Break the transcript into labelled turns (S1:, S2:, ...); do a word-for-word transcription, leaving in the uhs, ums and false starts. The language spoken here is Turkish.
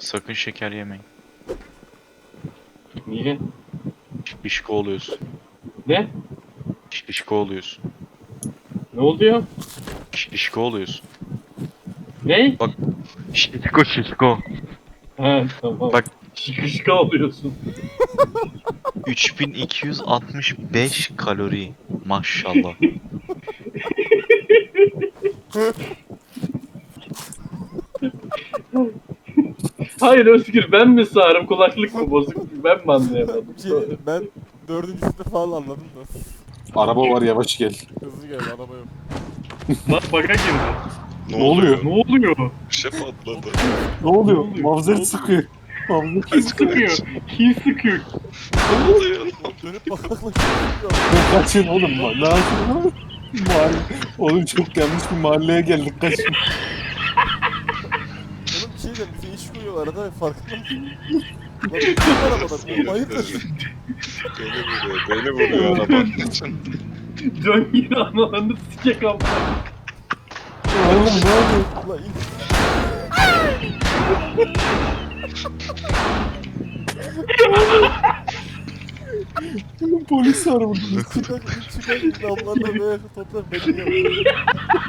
S1: Sakın şeker yemeyin.
S2: Niye?
S1: Şişko oluyorsun.
S2: Ne?
S1: Şişko oluyorsun.
S2: Ne oluyor?
S1: Şişko oluyorsun.
S2: Ne?
S1: Bak. Şişko şişko.
S2: He tamam.
S1: Bak.
S2: Şıkışka oluyorsun.
S1: üç bin iki yüz altmış beş kalori. Maşallah.
S2: Hayır Özgür, ben mi sağırım, kulaklık mı bozuk, ben mi anlayamadım?
S3: Bir şey diyeyim, ben dördüncüsünde falan anladım da.
S4: Araba var, yavaş gel.
S3: Hızlı gel, araba yok.
S2: Lan baka girdi.
S4: Ne oluyor?
S2: Ne oluyor?
S1: Bir şey patladı.
S4: Ne oluyor?
S2: oluyor?
S4: Mavzer
S2: Ne oluyor?
S4: sıkıyor. Mavzer
S2: Kim sıkıyor? Kim sıkıyor?
S1: Ne oluyor?
S3: Dönüp bakmakla
S4: kaçın oğlum. Ma- Ne yapıyorsun? Mahalle. Oğlum çok yanlış bir mahalleye geldik, kaçın.
S3: Oğlum bir şey diyeceğim, bize iş koyuyorlar arada, farkında mısın? Lan bir şey var arabadan, oğlum hayırdır?
S1: Beni vuruyor. Beni vuruyor arabanın için.
S2: Can yine analarını sikek ama.
S4: Oğlum ne oluyor?
S3: Ulan in.
S4: Polis var burada.
S3: Çıkar, çıkar, damlarına böyle toplar beni yiyor.